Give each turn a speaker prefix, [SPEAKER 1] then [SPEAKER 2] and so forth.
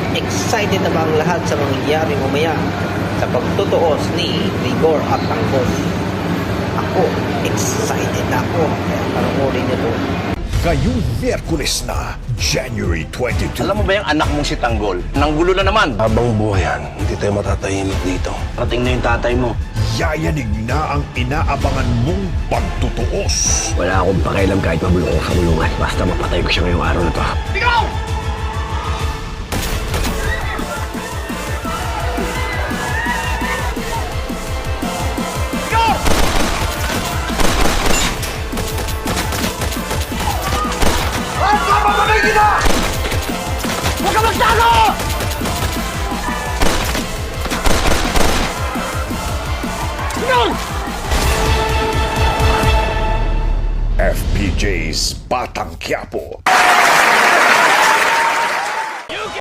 [SPEAKER 1] Excited na ba ang lahat sa mangyayari mamaya sa pagtutuos ni Rigor at Angkos? Ako, excited na ako. Panoorin niyo to.
[SPEAKER 2] Ngayong Miyerkules na, January 22.
[SPEAKER 3] Alam mo ba yung anak mong si Tanggol? Nanggulo na naman.
[SPEAKER 4] Habang buhay yan, hindi tayo matatahimik dito.
[SPEAKER 3] Rating na yung tatay mo.
[SPEAKER 2] Yayanig na ang inaabangan mong pagtutuos.
[SPEAKER 4] Wala akong pakialam kahit mabulong ko sa bulungan. Basta mapatay ko siya ngayong araw na to.
[SPEAKER 3] Ikaw! Huwag ka magtago!
[SPEAKER 2] FPJ's Batang Quiapo.